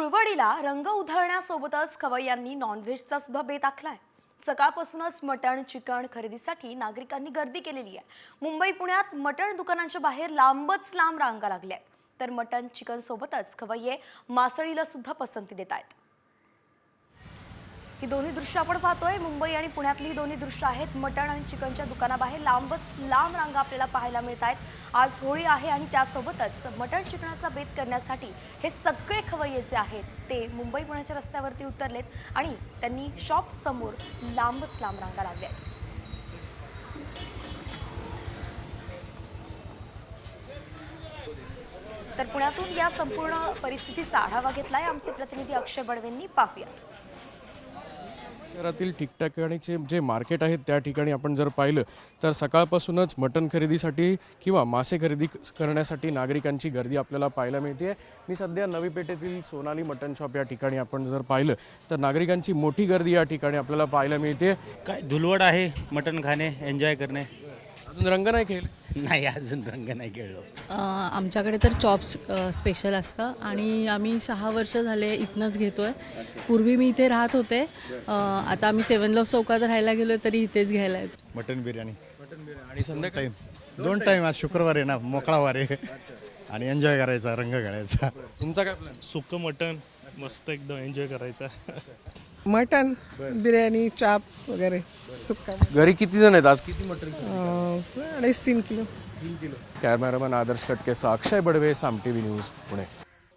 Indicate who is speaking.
Speaker 1: धुळवडीला रंग उधळण्यासोबतच खवय्यांनी नॉनव्हेजचा सुद्धा बेत आखलाय। सकाळपासूनच मटण चिकन खरेदीसाठी नागरिकांनी गर्दी केलेली आहे। मुंबई पुण्यात मटण दुकानांच्या बाहेर लांबच लांब रांगा लागल्या आहेत, तर मटण चिकन सोबतच खवय्ये मासळीला सुद्धा पसंती देत आहेत। ही दोन्ही दृश्य आपण पाहतोय, मुंबई आणि पुण्यातली दोन्ही दृश्य आहेत। मटण आणि चिकनच्या दुकानाबाहेर लांबच लांब रांगा आपल्याला पाहायला मिळत आहेत। आज होळी आहे आणि त्यासोबतच मटण चिकनाचा बेत करण्यासाठी हे सगळे खवय्ये जे आहेत ते मुंबई पुण्याच्या रस्त्यावरती उतरलेत आणि त्यांनी शॉप समोर लांबच लांब रांगा लावल्या आहेत। तर पुण्यातून या संपूर्ण परिस्थितीचा आढावा घेतलाय आमचे प्रतिनिधी अक्षय बडवेंनी। पाहूयात।
Speaker 2: शहरातील ठिकठिकाणीचे जे मार्केट आहेत त्या ठिकाणी आपण जर पाहिलं तर सकाळपासूनच मटण खरेदीसाठी किंवा मासे खरेदी करण्यासाठी नागरिकांची गर्दी आपल्याला पाहायला मिळते। मी सध्या नवी पेठेतील सोनाली मटण शॉप या ठिकाणी आपण जर पाहिलं तर नागरिकांची मोठी गर्दी या ठिकाणी आपल्याला पाहायला मिळते।
Speaker 3: काय धुलवड आहे, मटण खाणे, एन्जॉय करणे।
Speaker 2: अजून रंग नाही खेळले?
Speaker 3: नाही, अजून रंग नाही खेळलो।
Speaker 4: आमच्याकडे तर चॉप्स स्पेशल असतं आणि आम्ही 6 वर्ष झाले इथनंच घेतोय। पूर्वी मी इथे राहत होते, आता आम्ही 7 लव्ह चौकात राहायला गेलो तरी इथेच घ्यायला येतो।
Speaker 5: मटन बिर्याणी
Speaker 2: आणि संध्याकाळी
Speaker 5: दोन टाइम आज शुक्रवार आहे ना, मोकळा वार आहे आणि एन्जॉय करायचा, रंग खेळायचा।
Speaker 2: तुमचा काय प्लॅन?
Speaker 6: सुक्क मटण मस्त एकदम एन्जॉय करायचा।
Speaker 7: मटन बिर्याणी चाप वगैरे सुक्का।
Speaker 2: घरी किती जण आहेत आज? किती मटण?
Speaker 7: 2.5-3 किलो।
Speaker 2: कॅमेरामॅन आदर्श कटकेसह अक्षय बडवे, साम टीव्ही न्यूज, पुणे।